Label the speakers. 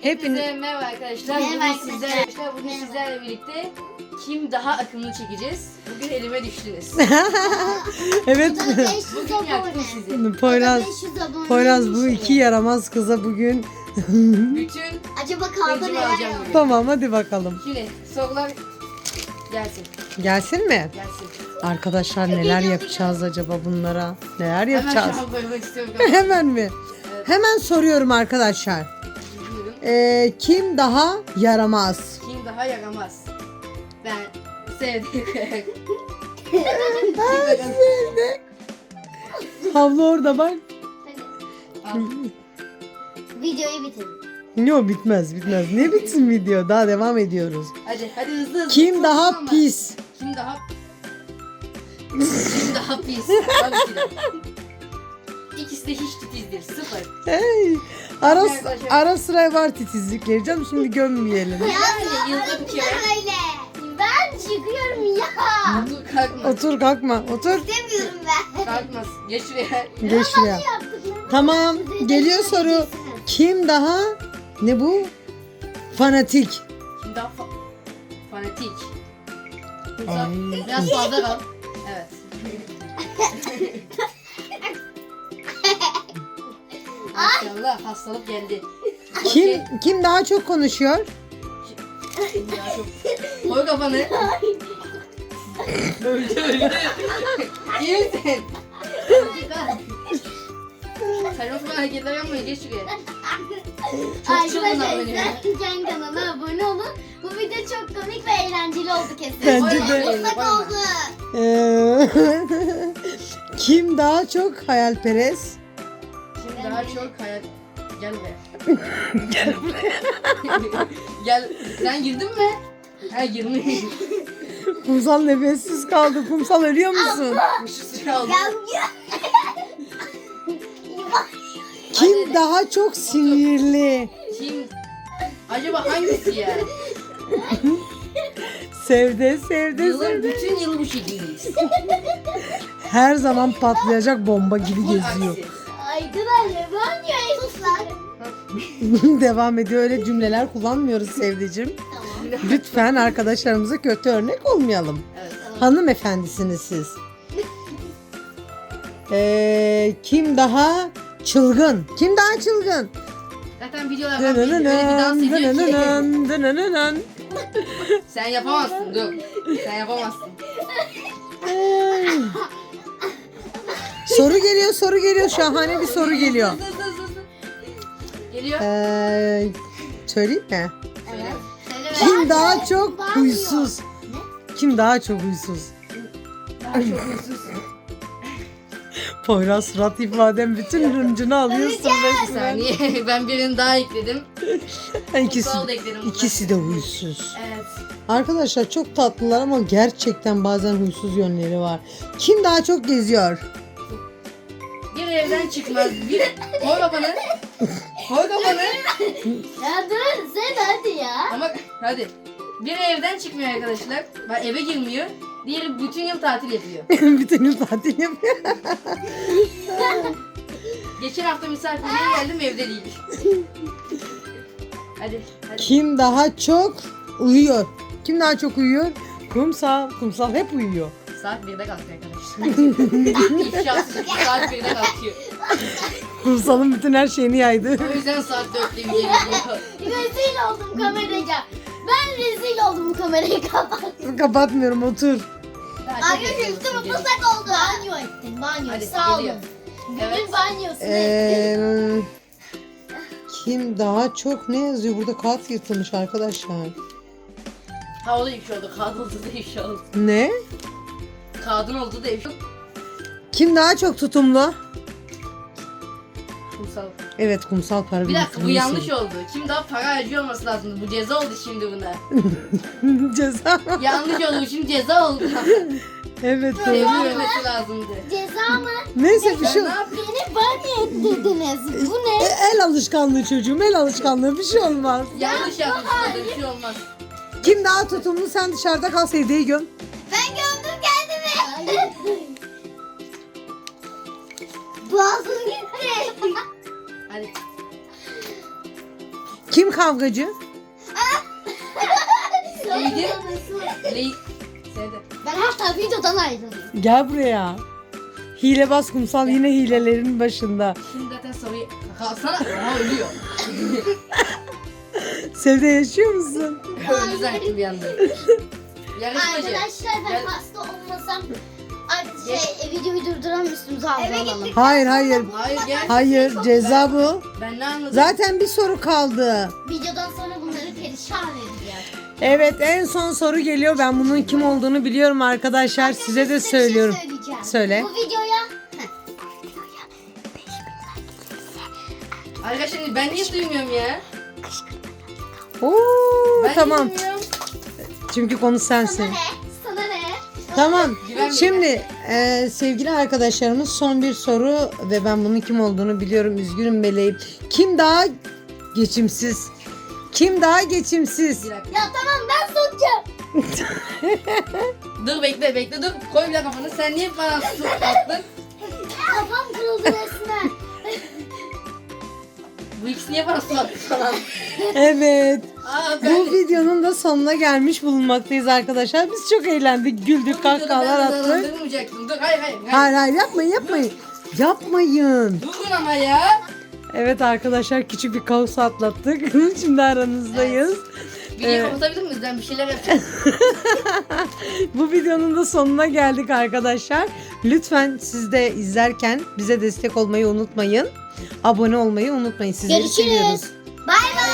Speaker 1: Hepinize merhaba arkadaşlar.
Speaker 2: Merhaba
Speaker 1: Bugün sizlerle birlikte kim daha akıllı çekeceğiz? Bugün elime düştünüz.
Speaker 3: Evet.
Speaker 1: Bugün yaktım sizi.
Speaker 3: Poyraz bu iki yaramaz kıza bugün.
Speaker 1: Bütün
Speaker 2: Acaba kaldı
Speaker 1: hıncımı
Speaker 2: neler
Speaker 1: alacağım
Speaker 2: yaptı?
Speaker 1: bugün.
Speaker 3: Tamam hadi bakalım.
Speaker 1: Şimdi sorular gelsin.
Speaker 3: Gelsin mi?
Speaker 1: Gelsin.
Speaker 3: Arkadaşlar neler yapacağız acaba bunlara? Neler yapacağız?
Speaker 1: Hemen şu an koymak istiyorum.
Speaker 3: Hemen mi?
Speaker 1: Evet.
Speaker 3: Hemen soruyorum arkadaşlar.
Speaker 1: Buyurun.
Speaker 3: Kim daha yaramaz?
Speaker 1: Kim daha yaramaz? Ben sevdiğim.
Speaker 3: Havlu orada bak.
Speaker 1: Al.
Speaker 2: Videoyu bitirin.
Speaker 3: Yok bitmez. Ne bitsin video? Daha devam ediyoruz.
Speaker 1: Hadi hızlı.
Speaker 3: Kim
Speaker 1: Çok
Speaker 3: daha
Speaker 1: ama.
Speaker 3: pis?
Speaker 1: Kim daha pis? Tabii ki de. İkisi de hiç titizdir. Sıfır.
Speaker 3: Hey, ara sıra var titizlikleri canım, şimdi gömmeyelim.
Speaker 1: Yani yılda bir kere.
Speaker 2: Öyle. Ben çıkıyorum ya.
Speaker 1: Otur kalkma.
Speaker 3: Otur kalkma otur.
Speaker 2: İstemiyorum ben.
Speaker 1: Kalkmaz. Geç şuraya.
Speaker 3: Geç şuraya. Tamam, geliyor soru. Kim daha ne bu? Fanatik.
Speaker 1: Kim daha fanatik?
Speaker 3: Ay.
Speaker 1: Biraz fazla kal. Evet. Maşallah hastalık geldi.
Speaker 3: Kim daha çok konuşuyor?
Speaker 1: Ya çok... Koy kafanı. öldü. İyi misin? Saçma sapan hareketler yapmayın. Geç şuraya. Çok çılgınlar benim.
Speaker 2: Arkadaşlar Can kanalına abone olun. Bu video çok komik ve eğlenceli oldu kesin.
Speaker 3: Bence de.
Speaker 2: Ortak oldu.
Speaker 3: Kim daha çok hayalperest?
Speaker 1: Kim daha çok hayal... Gel buraya. Gel. Sen girdin mi? Ha girmiş.
Speaker 3: Kumsal nefessiz kaldı. Kumsal ölüyor musun?
Speaker 1: Şu sıra aldı.
Speaker 2: Ya.
Speaker 3: Kim daha çok sinirli?
Speaker 1: Kim? Acaba hangisi ya?
Speaker 3: Sevdi.
Speaker 1: Yılın bütün yıl bu şekildeyiz.
Speaker 3: Her zaman patlayacak bomba gibi geziyor.
Speaker 1: Hangisi?
Speaker 2: Arkadaşlar ben niye suslar?
Speaker 3: Devam ediyor. Öyle cümleler kullanmıyoruz Sevdicim.
Speaker 2: Tamam.
Speaker 3: Lütfen arkadaşlarımıza kötü örnek olmayalım.
Speaker 1: Evet.
Speaker 3: Hanımefendisiniz siz. Kim daha çılgın? Kim daha çılgın?
Speaker 1: Zaten videolardan belli. Öyle bir dans ediyor ki.
Speaker 3: Dınınının.
Speaker 1: Sen yapamazsın. Dur. Sen yapamazsın.
Speaker 3: Soru geliyor. Şahane bir soru geliyor.
Speaker 1: Hızlı. Geliyor.
Speaker 3: Söyleyeyim mi?
Speaker 1: Söyle.
Speaker 3: Kim daha çok huysuz? Kim daha çok huysuz?
Speaker 1: Daha çok huysuz.
Speaker 3: Poyraz surat ifadem bütün hıncını alıyorsun
Speaker 1: Bir
Speaker 3: resmen.
Speaker 1: saniye. Ben birini daha ekledim. Kumsal da ekledim.
Speaker 3: İkisi de huysuz.
Speaker 1: Evet.
Speaker 3: Arkadaşlar çok tatlılar ama gerçekten bazen huysuz yönleri var. Kim daha çok geziyor?
Speaker 1: Bir evden çıkmaz. Koy kafanı. Koy kafanı.
Speaker 2: Ya dur sen hadi ya.
Speaker 1: Ama hadi. Bir evden çıkmıyor arkadaşlar. Bak eve girmiyor. Diğeri bütün yıl tatil yapıyor.
Speaker 3: Bütün yıl tatil yapıyor.
Speaker 1: Geçen hafta misafirliğe geldim evde değil. Hadi.
Speaker 3: Kim daha çok uyuyor? Kim daha çok uyuyor? Kumsal. Kumsal hep uyuyor.
Speaker 1: Saat 1'de kalkıyor arkadaşlar. İfşası saat 1'de kalkıyor.
Speaker 3: Kumsal'ın bütün her şeyini yaydı.
Speaker 1: O yüzden saat 4'te video geliyor.
Speaker 2: Rezil oldum kameraya. Ben rezil oldum bu kamerayı kapat.
Speaker 3: Kapatmıyorum, otur.
Speaker 1: Daha çok
Speaker 2: Arkadaşlar
Speaker 1: yapıyoruz
Speaker 2: üstüm
Speaker 1: şimdi.
Speaker 2: ıslak oldu. Banyo ettim banyo.
Speaker 1: Hadi,
Speaker 2: Sağ
Speaker 1: geliyor.
Speaker 2: olun. Günün
Speaker 1: Evet.
Speaker 2: banyosunu ettim.
Speaker 3: Kim daha çok ne yazıyor? Burada kağıt yırtılmış arkadaşlar.
Speaker 1: Ha o da ifşa oldu. Kadın oldu da ifşa oldu.
Speaker 3: Ne?
Speaker 1: Kadın oldu da ifşa oldu.
Speaker 3: Kim daha çok tutumlu?
Speaker 1: Kumsal.
Speaker 3: Evet, Kumsal para
Speaker 1: Bir dakika bu
Speaker 3: biriktirmeyi
Speaker 1: yanlış
Speaker 3: seviyor.
Speaker 1: oldu. Kim daha para harcıyor olması lazımdı. Bu ceza oldu şimdi buna.
Speaker 3: Ceza.
Speaker 1: Yanlış oldu şimdi ceza oldu.
Speaker 3: Evet doğru.
Speaker 1: Verilmesi lazımdı.
Speaker 2: Ceza mı?
Speaker 3: Neyse bir
Speaker 1: Sen
Speaker 3: şey.
Speaker 1: ne yapıyorsun?
Speaker 2: Beni banyo ettirdiniz. Bu ne?
Speaker 3: El alışkanlığı çocuğum, el alışkanlığı, bir şey olmaz.
Speaker 1: Yanlış yapmışsın. Bir şey olmaz.
Speaker 3: Kim daha tutumlu? Sen dışarıda kal, Sevde'yi göm.
Speaker 2: Ben gömdüm kendimi. Boğazım gitti.
Speaker 1: Hadi.
Speaker 3: Kim kavgacı?
Speaker 1: Leydi. Leydi.
Speaker 2: Ben hatta videodan ayrıldım.
Speaker 3: Gel buraya. Hilebaz kumsal yine hilelerin başında.
Speaker 1: Şimdi zaten soruyu kalsana. Aha ölüyor.
Speaker 3: Sevde yaşıyor musun?
Speaker 1: Öldü zaten bir anda. Yarışmacı.
Speaker 2: Arkadaşlar ben
Speaker 1: Gel.
Speaker 2: hasta olmasam videoyu durduran üstümüze alalım.
Speaker 3: Hayır hayır.
Speaker 1: Hayır gel.
Speaker 3: Hayır ceza bu.
Speaker 1: Ben ne anladım?
Speaker 3: Zaten bir soru kaldı.
Speaker 2: Videodan sonra bunları perişan edeceğiz.
Speaker 3: Evet en son soru geliyor. Ben bunun kim olduğunu biliyorum arkadaşlar. Size de
Speaker 2: Size bir
Speaker 3: söylüyorum.
Speaker 2: şey söyleyeceğim.
Speaker 3: Söyle.
Speaker 2: Bu videoya
Speaker 1: Arkadaşlar ben niye duymuyorum ya?
Speaker 3: Oo,
Speaker 1: Ben
Speaker 3: tamam.
Speaker 1: niye duymuyorum?
Speaker 3: Çünkü konu sensin.
Speaker 2: sana ne? Sana ne?
Speaker 3: Tamam.
Speaker 1: Güvenmiyorum.
Speaker 3: Şimdi sevgili arkadaşlarımız son bir soru ve ben bunun kim olduğunu biliyorum. Üzgünüm meleğim. Kim daha geçimsiz? Kim daha geçimsiz?
Speaker 1: Bir dakika.
Speaker 2: Ya tamam ben sokacağım.
Speaker 1: Dur bekle dur. Koy bir kafanı. Sen niye bana su attın?
Speaker 2: Kafam kırıldı resmen.
Speaker 1: Bu ikisi niye bana su attı falan?
Speaker 3: Evet.
Speaker 1: Aa
Speaker 3: Bu videonun da sonuna gelmiş bulunmaktayız arkadaşlar. Biz çok eğlendik, güldük, kahkahalar attık.
Speaker 1: Durdurmayacaktım. Dur hayır.
Speaker 3: Hayır hayır yapmayın. Yapmayın.
Speaker 1: Durun ama ya.
Speaker 3: Evet arkadaşlar küçük bir kaos atlattık. Şimdi aranızdayız.
Speaker 1: Videoyu kapatabilir miyiz? Ben bir şeyler yapacağım.
Speaker 3: Bu videonun da sonuna geldik arkadaşlar. Lütfen siz de izlerken bize destek olmayı unutmayın. Abone olmayı unutmayın. Sizleri
Speaker 2: Görüşürüz.
Speaker 3: seviyoruz.
Speaker 2: Bay bay.